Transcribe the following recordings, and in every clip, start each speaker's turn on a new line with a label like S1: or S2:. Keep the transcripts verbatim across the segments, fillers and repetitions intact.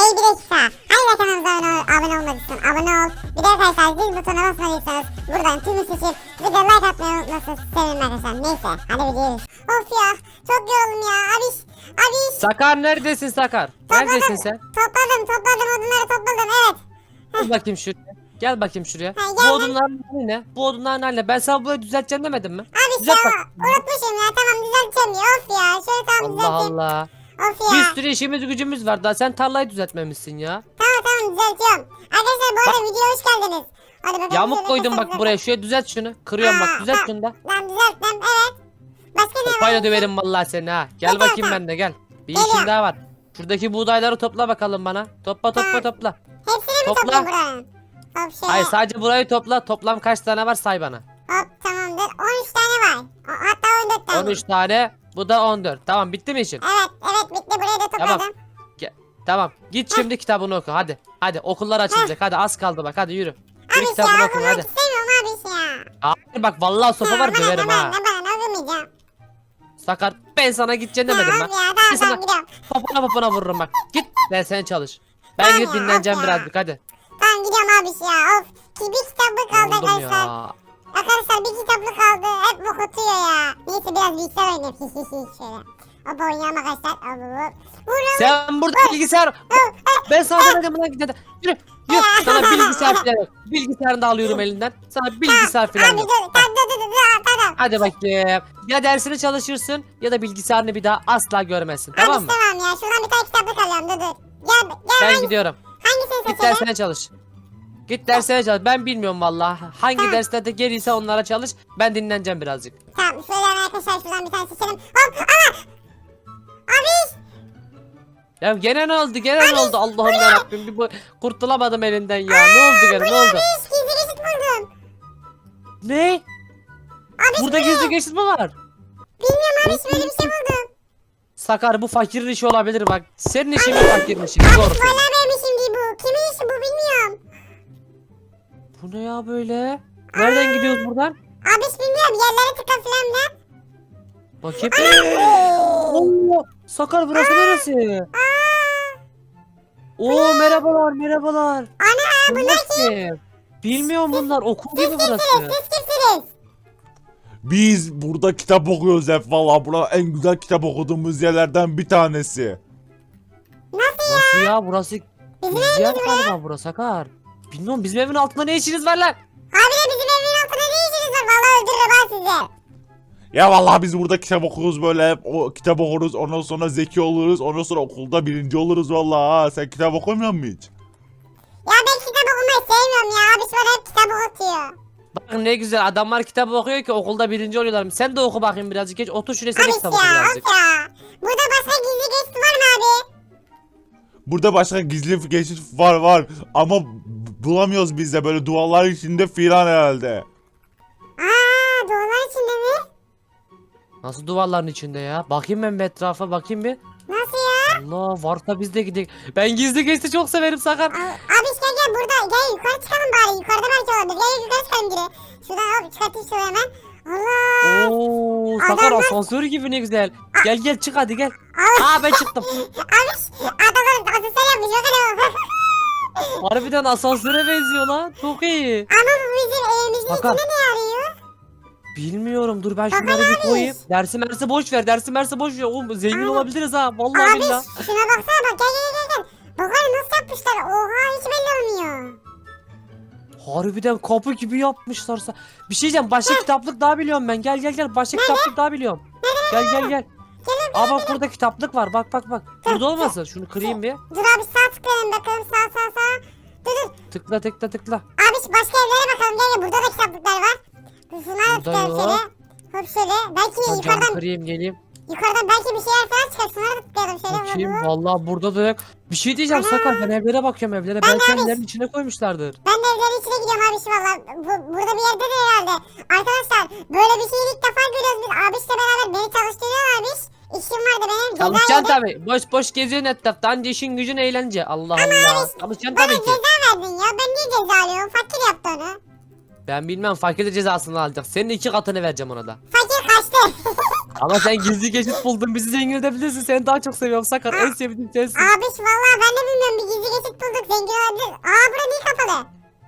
S1: Hey bir dakika. Hangi kanalımıza abone, abone olmadıysan abone ol. Bir de arkadaşlar zil butonuna basmadıysanız buradan tümü seçip bir de like atmayı unutmasın. Sevinirim arkadaşlar. Neyse hadi gidiyoruz. Of ya çok yoruldum ya. Abiş. Abiş.
S2: Sakar neredesin Sakar? Neredesin sen?
S1: Topladım topladım odunları topladım evet.
S2: Gel bakayım şuraya. Gel bakayım şuraya.
S1: Ha,
S2: Bu
S1: gel.
S2: odunların hali ne? Bu odunların hali ne? Ben sana burayı düzelteceğim demedim mi?
S1: Abi
S2: Düzelt
S1: ya
S2: bak.
S1: unutmuşum ya tamam düzelteceğim ya. Of ya şöyle tamam
S2: Allah
S1: düzelteyim.
S2: Allah.
S1: Of ya.
S2: Bir sürü işimiz gücümüz var daha sen tarlayı düzeltmemişsin ya.
S1: Tamam tamam düzeltiyorum. Arkadaşlar bu arada videoya hoş geldiniz. Hadi bakalım.
S2: Yamuk
S1: şöyle
S2: koydum
S1: kaçalım.
S2: bak buraya. Şuraya düzelt şunu. Kırıyorum bak
S1: Aa,
S2: düzelt
S1: aa.
S2: şunu da.
S1: Ben düzelttim evet. Başka ne var?
S2: Sopayla döverim vallahi seni ha. Gel
S1: Yeter,
S2: bakayım
S1: yeter.
S2: ben de gel. Bir
S1: Geliyorum.
S2: işim daha var. Şuradaki buğdayları topla bakalım bana. Topla topla
S1: Tamam.
S2: topla.
S1: Hepsini mi
S2: Topla.
S1: toplayayım buranın? Hop şöyle.
S2: Hayır sadece burayı topla. Toplam kaç tane var say bana.
S1: Hop tamamdır. on üç tane var. O- Hatta on dört tane.
S2: on üç tane. Bu da on dört. Tamam bitti mi işin?
S1: Evet evet bitti burayı da topladım.
S2: Tamam. Ge- Tamam. Git şimdi kitabını oku hadi. Hadi okullar açılacak. Hadi az kaldı bak hadi yürü. Yürü
S1: Abi ya
S2: kitabını oku
S1: okumak
S2: hadi.
S1: istemiyorum abi ya.
S2: Hayır bak vallahi sopa var
S1: Bana,
S2: döverim
S1: bana,
S2: ha.
S1: Bana bana okumayacağım.
S2: Sakar ben sana gideceğim
S1: Ya
S2: demedim
S1: abi
S2: ben.
S1: ya tamam
S2: Ben
S1: tamam
S2: sana
S1: gidiyorum.
S2: popona popona vururum bak. Git ben sen çalış. Ben
S1: Tamam
S2: gidip
S1: ya,
S2: dinleneceğim
S1: of ya.
S2: birazcık hadi.
S1: Tamam gidiyorum abi ya. Of. Ki bir kitaplık kaldı
S2: Yoruldum
S1: arkadaşlar.
S2: ya.
S1: Arkadaşlar bir kitaplık kaldı. Hep bok atıyor ya. Neyse biraz bilgisayar oynayayım. Şöyle. Hop oynayalım arkadaşlar. Hop hop hop. Vurun.
S2: Sen burada bilgisayar. Ben sana demedim buna git hadi. Yürü. Yürü. Sana bilgisayar falan yok. Bilgisayarını da alıyorum elinden. Sana bilgisayar falan
S1: Abi
S2: yok.
S1: dur. Tamam dur dur dur. dur, Tamam.
S2: Hadi bakayım. Ya dersini çalışırsın ya da bilgisayarını bir daha asla görmezsin.
S1: Abi
S2: Tamam mı?
S1: tamam ya. Şuradan bir tane kitaplık alıyorum. Dur dur. Gel gel.
S2: Ben
S1: hangi-
S2: gidiyorum.
S1: Hangisini
S2: Git
S1: seçelim?
S2: dersine çalış. Git dersine çalış. Ben bilmiyorum vallahi. Hangi
S1: Tamam.
S2: derslerde gelirse onlara çalış. Ben dinleneceğim birazcık.
S1: Tamam şöyle hemen arkadaşlar şuradan bir tane seçelim. Hop ana. Abi.
S2: Ya gene ne oldu? Gene ne oldu? Allah'ım yarabbim. Bir bu kurtulamadım elinden ya. Ne oldu gene? Ne oldu?
S1: Abi gizli geçit buldum.
S2: Ne?
S1: Abi
S2: Burada gizli geçit mi var?
S1: bilmiyorum abi böyle bir şey buldum.
S2: Sakar bu fakirin işi olabilir bak. Senin işin mi fakirin işi? Doğru
S1: Valla
S2: söyle.
S1: benim işim değil bu. Kimin işi bu bilmiyorum.
S2: Bu ne ya böyle? Nereden gidiyoruz buradan?
S1: Abi hiç bilmiyorum yerlere tıka falan da.
S2: Bakayım. Allah! Sakar burası neresi? Oo merhabalar merhabalar.
S1: Ana bunlar kim?
S2: kim? Bilmiyorum bunlar okul gibi
S1: Siz
S2: burası.
S1: kimsiniz? Siz kimsiniz?
S3: Biz burada kitap okuyoruz hep valla. Bura en güzel kitap okuduğumuz yerlerden bir tanesi.
S1: Nasıl ya?
S2: Nasıl ya burası?
S1: Bizim
S2: Bizim
S1: evimiz
S2: yer
S1: mi?
S2: galiba burası Sakar. Bilmiyorum bizim evin altında ne işiniz var lan?
S1: Abi de bizim evin altında ne işiniz var? Valla öldürürüm ha sizi.
S3: Ya valla biz burada kitap okuyoruz böyle hep o kitap okuruz ondan sonra zeki oluruz ondan sonra okulda birinci oluruz valla ha. Sen kitap okumuyor musun hiç?
S1: Ya ben kitap okumayı sevmiyorum ya. Abi bana hep kitap okutuyor.
S2: Bak ne güzel adamlar kitap okuyor ki okulda birinci oluyorlar. Sen de oku bakayım birazcık geç. Otur şuraya sen de
S1: Abi
S2: kitap oku
S1: ya
S2: birazcık.
S1: of ya. Burada başka gizli geçit var mı abi?
S3: Burada başka gizli geçit var var ama b- bulamıyoruz biz de böyle duvarlar içinde filan herhalde.
S1: Aa duvarlar içinde mi?
S2: Nasıl duvarların içinde ya? Bakayım ben bir etrafa bakayım bir.
S1: Nasıl ya?
S2: Allah varsa biz de gidelim. Ben gizli geçti çok severim Sakar.
S1: Abi gel gel burada gel yukarı çıkalım bari yukarıda belki olabilir gel yukarı çıkalım geri. Şuradan hop çıkartayım şöyle hemen. Allah.
S2: Oo Sakar
S1: Adamlar-
S2: asansör gibi ne güzel. Gel gel çık hadi gel.
S1: Allah.
S2: Aa ben çıktım.
S1: Abi adamlar asansör yapmış bakın o.
S2: Harbiden asansöre benziyor lan. Çok iyi.
S1: Ama bu bizim evimizin
S2: Hakan.
S1: içinde ne arıyor?
S2: Bilmiyorum dur ben
S1: Hakan
S2: şunları bir
S1: abi.
S2: koyayım. Dersi mersi boş ver. Dersi mersi boş ver. Oğlum zengin
S1: Abi.
S2: olabiliriz ha. Vallahi
S1: Abi
S2: billahi.
S1: şuna baksana bak gel gel gel gel. Bakalım nasıl yapmışlar oha hiç belli olmuyor.
S2: Harbiden kapı gibi yapmışlarsa. Bir şey diyeceğim. Başka kitaplık daha biliyorum ben. Gel gel gel. Başka kitaplık daha biliyorum. Gel gel gel. Aa bak burada kitaplık var. Bak bak bak. Burada olmasın. Şunu kırayım bir.
S1: Dur abi sağ tıklayalım bakalım sağ sağ sağ. Dur dur.
S2: Tıkla tıkla tıkla.
S1: Abi şu başka evlere bakalım gel gel burada da kitaplıklar var. Dur şunlara da
S2: Burada
S1: tıklayalım
S2: yok.
S1: şöyle. Hop şöyle. Belki
S2: Hocam
S1: yukarıdan
S2: kırayım geleyim.
S1: yukarıdan belki bir şeyler falan çıkar. Şunlara da tıklayalım şöyle.
S2: Bakayım.
S1: Hop, hop.
S2: Vallahi burada da yok. Bir şey diyeceğim
S1: Ana.
S2: Sakar. Ben evlere bakıyorum evlere.
S1: Ben
S2: Belki
S1: abi.
S2: evlerin içine koymuşlardır.
S1: Ben de evlerin içine gidiyorum abi şu valla. Bu, burada bir yerde de herhalde. Arkadaşlar böyle bir şeyi ilk defa görüyoruz biz. Abişle beraber beni çalıştırıyor abiş. İşim vardı benim. Ceza
S2: Çalışacaksın
S1: yedim.
S2: tabii. Boş boş geziyorsun etrafta. Anca işin gücün eğlence. Allah Allah.
S1: abi,
S2: Çalışacaksın
S1: Bana
S2: tabii ki.
S1: ceza verdin ya. Ben niye ceza alıyorum? Fakir yaptı onu.
S2: Ben bilmem fakir de cezasını alacak. Senin iki katını vereceğim ona da.
S1: Fakir kaçtı.
S2: Ama sen gizli geçit buldun, bizi zengin edebilirsin. Seni daha çok seviyorum Sakar. En sevdiğim sensin.
S1: Abiş vallahi ben de bilmiyorum, bir gizli geçit bulduk, zengin olabilir. Aa bura niye kapalı?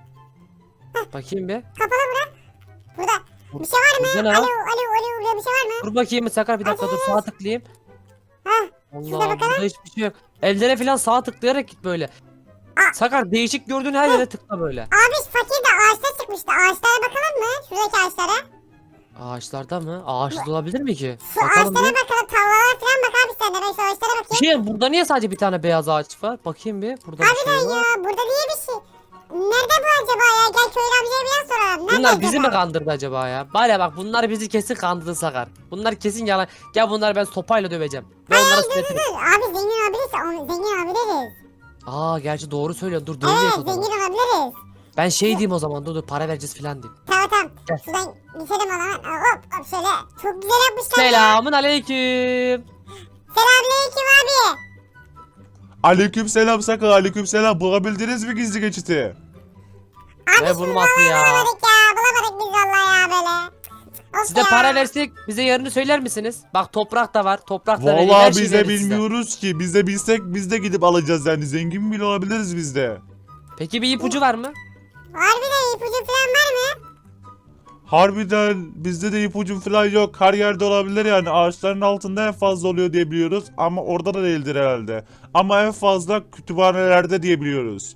S2: Bakayım bir.
S1: Kapalı bura. Burada bir şey var mı?
S2: Burada ne
S1: Alo
S2: var?
S1: alo alo, burada bir şey var mı?
S2: Dur bakayım Sakar, bir dakika dur, sağa tıklayayım.
S1: Hah.
S2: Allah,
S1: bakalım.
S2: burada hiçbir şey yok. Evlere falan sağa tıklayarak git böyle.
S1: Aa.
S2: Sakar, değişik gördüğün her yere tıkla böyle.
S1: Abiş fakir de ağaçta çıkmıştı. Ağaçlara bakalım mı? Şuradaki ağaçlara.
S2: Ağaçlarda mı? Ağaçta olabilir mi ki?
S1: Şu
S2: Bakalım
S1: ağaçlara
S2: bir.
S1: bakalım. Tavlalara falan bak abi sen de. Ben şu ağaçlara
S2: Bir
S1: bakayım.
S2: şey, burada niye sadece bir tane beyaz ağaç var? Bakayım bir. Burada bir şey
S1: Harbiden
S2: var.
S1: ya. Burada niye bir şey? Nerede bu acaba ya? Gel köylü amcaya bir yan soralım. Nerede
S2: Bunlar bizi mi
S1: acaba?
S2: kandırdı acaba ya? Var ya bak, bunlar bizi kesin kandırdı Sakar. Bunlar kesin yalan. Gel, bunları ben sopayla döveceğim. Ve
S1: Hayır
S2: onlara
S1: dur dur
S2: sürekli.
S1: dur. Abi zengin olabilirse onu zengin olabiliriz.
S2: Aa, gerçi doğru söylüyorsun. Dur, döveyim
S1: Evet
S2: o zaman.
S1: zengin olabiliriz.
S2: Ben şey diyeyim o zaman. Dur dur, para vereceğiz falan diyeyim.
S1: Tamam tamam.
S2: Gel.
S1: Şuradan geçelim o zaman. Hop hop şöyle. Çok güzel yapmışlar ya.
S2: Selamun aleyküm.
S1: Selamünaleyküm abi.
S3: Aleykümselam Sakar, aleykümselam. Bulabildiniz mi gizli geçiti?
S1: Abi
S2: Ne
S1: şunu
S2: bulması ya?
S1: bulamadık ya. Bulamadık biz vallahi ya böyle. Of
S2: Size
S1: ya.
S2: para versek bize yerini söyler misiniz? Bak, toprak da var. Toprak da vereyim, her
S3: Vallahi
S2: şeyi
S3: biz de
S2: veririz size.
S3: bilmiyoruz ki. Biz de bilsek biz de gidip alacağız yani. Zengin bile olabiliriz biz de.
S2: Peki bir ipucu var mı?
S1: Harbiden ipucu falan var mı?
S3: Harbiden bizde de ipucu falan yok. Her yerde olabilir yani. Ağaçların altında en fazla oluyor diye biliyoruz. Ama orada da değildir herhalde. Ama en fazla kütüphanelerde diye biliyoruz.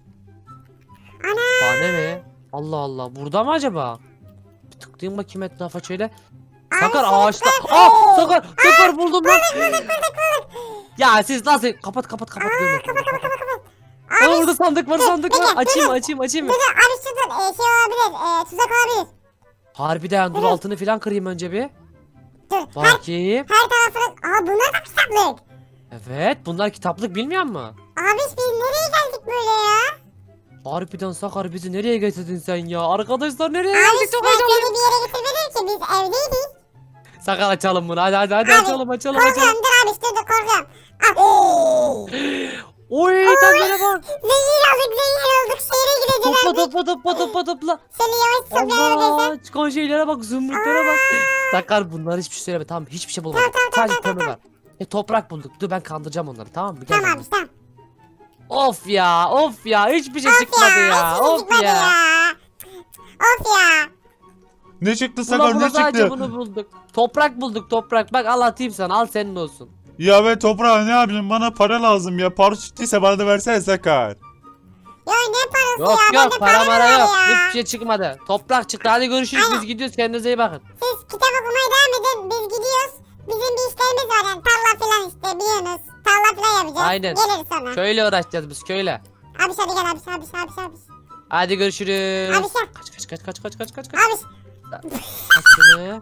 S1: Ana.
S2: Bana mi? Allah Allah. Burada mı acaba? Bir tıklayayım bakayım etrafa şöyle. Sakar
S1: Ay,
S2: ağaçta.
S1: Sakar.
S2: Aa, Sakar. Sakar buldum lan.
S1: Bulduk bulduk bulduk.
S2: Ya siz nasıl? Kapat kapat kapat. Görme.
S1: Kapat kapat kapat kapat.
S2: Aa, orada sandık var, sandık
S1: dur,
S2: var.
S1: dur,
S2: Açayım
S1: dur.
S2: açayım açayım.
S1: Dur dur abi şuradan e, şey olabilir. E, tuzak olabilir.
S2: Harbiden dur, altını filan kırayım önce bir.
S1: Dur. Her,
S2: Bakayım.
S1: her tarafını. Aa bunlar da kitaplık.
S2: Evet, bunlar kitaplık, bilmiyor musun?
S1: Abi biz nereye geldik böyle ya?
S2: Harbiden Sakar, bizi nereye getirdin sen ya? Arkadaşlar nereye
S1: Abi
S2: geldik? Çok
S1: ben
S2: heyecanlıyım.
S1: seni bir yere getirmedim ki, biz evdeydik.
S2: Sakar, açalım bunu. Hadi hadi hadi
S1: Abi,
S2: açalım açalım açalım.
S1: Korkuyorum dur abi dur dur korkuyorum. Ah.
S2: Oy, tezgahına bak.
S1: Zengin olduk zengin olduk. Şehre gideceğiz
S2: Topla
S1: abi.
S2: topla topla topla topla.
S1: Seni yavaş toplayalım arkadaşlar.
S2: Allah, çıkan şeylere bak, zümrütlere bak. Sakar, bunlar hiçbir şey söyleme, tamam, hiçbir şey bulmadık.
S1: Tamam, tamam,
S2: Sadece
S1: tamam,
S2: kömür var. E, toprak bulduk. Dur, ben kandıracağım onları, tamam mı? Gel
S1: Tamam
S2: benimle.
S1: abi tamam.
S2: Of ya, of ya, hiçbir şey
S1: Of
S2: çıkmadı ya.
S1: ya. hiç
S2: Of
S1: çıkmadı
S2: ya.
S1: ya. Of ya.
S3: Ne çıktı
S2: Bula
S3: Sakar,
S2: bula
S3: ne
S2: sadece
S3: çıktı?
S2: bunu bulduk. Toprak bulduk, toprak. Bak, al atayım sana, al senin olsun.
S3: Ya ve toprağa ne yapayım, bana para lazım ya. Para çıktıysa bana da versene Sakar.
S1: Ya ne parası
S2: Yok
S1: ya?
S2: yok,
S1: Bende
S2: para
S1: mı
S2: mara
S1: var
S2: yok.
S1: ya?
S2: Hiçbir şey çıkmadı. Toprak çıktı. Hadi görüşürüz, biz gidiyoruz, kendinize iyi bakın.
S1: Siz kitap okumaya devam edin. Biz gidiyoruz. Bizim bir işlerimiz var yani. Tarla falan işte biliyorsunuz. Tarla falan yapacağız.
S2: Aynen.
S1: Geliriz sonra.
S2: Köyle uğraşacağız biz, köyle.
S1: Abi hadi gel abi abi abi abi.
S2: Hadi görüşürüz.
S1: Abi sen.
S2: Kaç kaç kaç kaç kaç kaç kaç kaç.
S1: Abi.
S2: Kaç sene?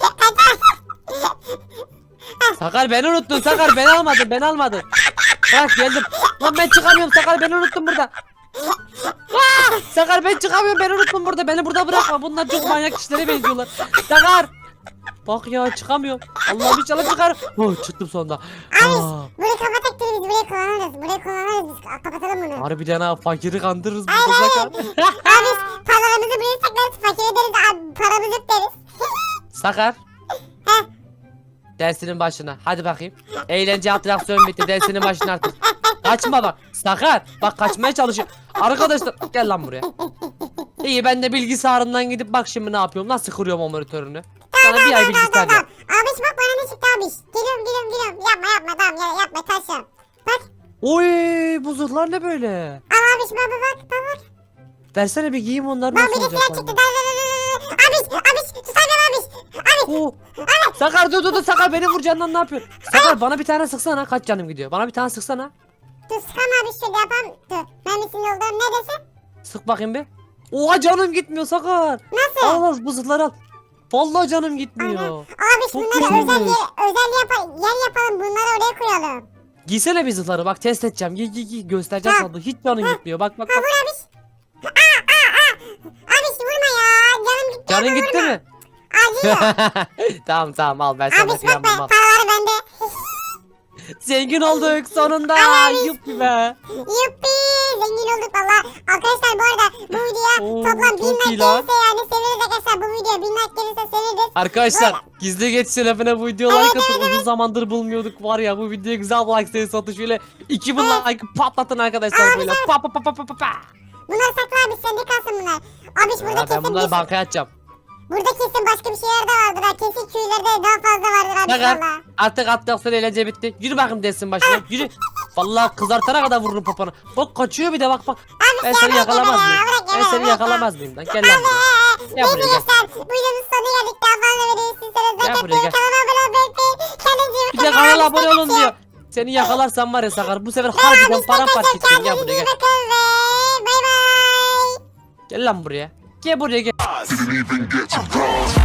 S2: Sakar, beni unuttun Sakar, beni almadın, beni almadın. Bak geldim. Lan ben çıkamıyorum Sakar, beni unuttun burada. Aa, Sakar, ben çıkamıyorum, beni unuttun burada, beni burada bırakma, bunlar çok manyak kişilere benziyorlar. Sakar. Bak ya, çıkamıyorum. Allah'ım inşallah çıkar. Oh, çıktım sonunda. Aa,
S1: Burayı kapatak biz burayı kullanırız. Burayı kullanırız biz. Kapatalım bunu.
S2: harbiden ha, fakiri kandırırız
S1: Aynen,
S2: burada Sakar.
S1: Abi paralarımızı buraya saklarız. Fakire deriz abi paramız yok deriz.
S2: Sakar.
S1: Heh.
S2: Dersinin başına. Hadi bakayım. Eğlence atraksiyon bitti. Dersinin başına artık. Kaçma bak. Sakar. Bak, kaçmaya çalışıyor. Arkadaşlar gel lan buraya. İyi, ben de bilgisayarından gidip bak şimdi ne yapıyorum. Nasıl kırıyorum o monitörünü. Sana bir ay bilgisayar yap.
S1: Abi bak bana ne çıktı abi. Geliyorum geliyorum geliyorum. Yapma yapma tamam ya, yapma taşıyorum. Bak
S2: Oy, bu zırhlar ne böyle?
S1: al abi bak bak bak bak.
S2: Versene bir giyeyim, onlar
S1: Bak
S2: nasıl
S1: bir de
S2: olacak?
S1: silah çıktı. Abi abi tutamıyorum abi. Abi
S2: Oo. Sakar dur dur dur, Sakar beni vuracağından ne yapıyorsun? Sakar, bana bir tane sıksana, kaç canım gidiyor? Bana bir tane sıksana.
S1: dur sıkama abi şöyle yapalım. Dur mermisinin olduğunu ne desin?
S2: Sık bakayım bir. Oha, canım gitmiyor Sakar.
S1: Nasıl?
S2: Al al, bu zırhları al. Vallahi canım gitmiyor.
S1: Abi
S2: Çok
S1: bunları
S2: güzelmiş.
S1: özel yer, özel yapalım, yer yapalım bunları oraya koyalım.
S2: Giysene bir zırhları, bak test edeceğim. Giy giy giy, göstereceğim
S1: Ha.
S2: sana. Hiç canın gitmiyor. Bak bak
S1: Ha
S2: bak.
S1: vur abi. Aa aa aa. Abi vurma ya. Canım gitti.
S2: Canın
S1: ama
S2: gitti
S1: vurma.
S2: mi?
S1: Acıyor.
S2: Tamam tamam, al, ben
S1: Abi
S2: sana
S1: bak
S2: kıyamam.
S1: ben
S2: Al.
S1: paraları bende.
S2: Zengin olduk sonunda.
S1: Ay.
S2: Yuppi be.
S1: Yuppi zengin olduk valla. Arkadaşlar bu arada bu videoya
S2: Oo,
S1: toplam bin
S2: çok
S1: like
S2: iyi lan.
S1: gelirse yani seviniriz arkadaşlar. Bu video bin like gelirse seviniriz.
S2: Arkadaşlar gizli geç şerefine bu videoya like atın. Uzun zamandır bulmuyorduk var ya, bu videoya güzel bir like sayısı atın. Şöyle iki bin like patlatın arkadaşlar böyle. Pa pa pa pa pa pa pa.
S1: Bunları sakla abi, sende kalsın bunlar. Abi burada
S2: Ya ben
S1: kesin
S2: bunları
S1: bir-
S2: bankaya atacağım.
S1: burada kesin başka bir şeyler de vardır ha. Kesin köylerde daha fazla vardır abi
S2: Sakar
S1: valla.
S2: artık atlaksın, eğlence bitti. Yürü bakayım desin başına. Yürü. Vallahi kızartana kadar vururum popona. Bak kaçıyor bir de, bak bak. Ben seni yakalamaz mıyım? Ben seni yakalamaz mıyım lan? Gel lan buraya. Gel
S1: Neyse
S2: buraya, gel.
S1: gençler, bu videonun sonuna geldik. Daha fazla videoyu sizlere
S2: Gel
S1: like
S2: buraya, gel.
S1: atmayı, kanala abone olmayı unutmayın. Kendinize iyi
S2: Bir de
S1: bakın.
S2: kanala
S1: Abi,
S2: abone olun
S1: size
S2: diyor. Seni yakalarsam var ya Sakar, bu sefer
S1: Ben
S2: harbiden
S1: abi,
S2: paramparça
S1: size
S2: edeceğim. Gel
S1: kendinize
S2: buraya
S1: iyi
S2: gel.
S1: bakın ve bay bay.
S2: Gel lan buraya. Gel buraya gel.
S4: Didn't even get to cross.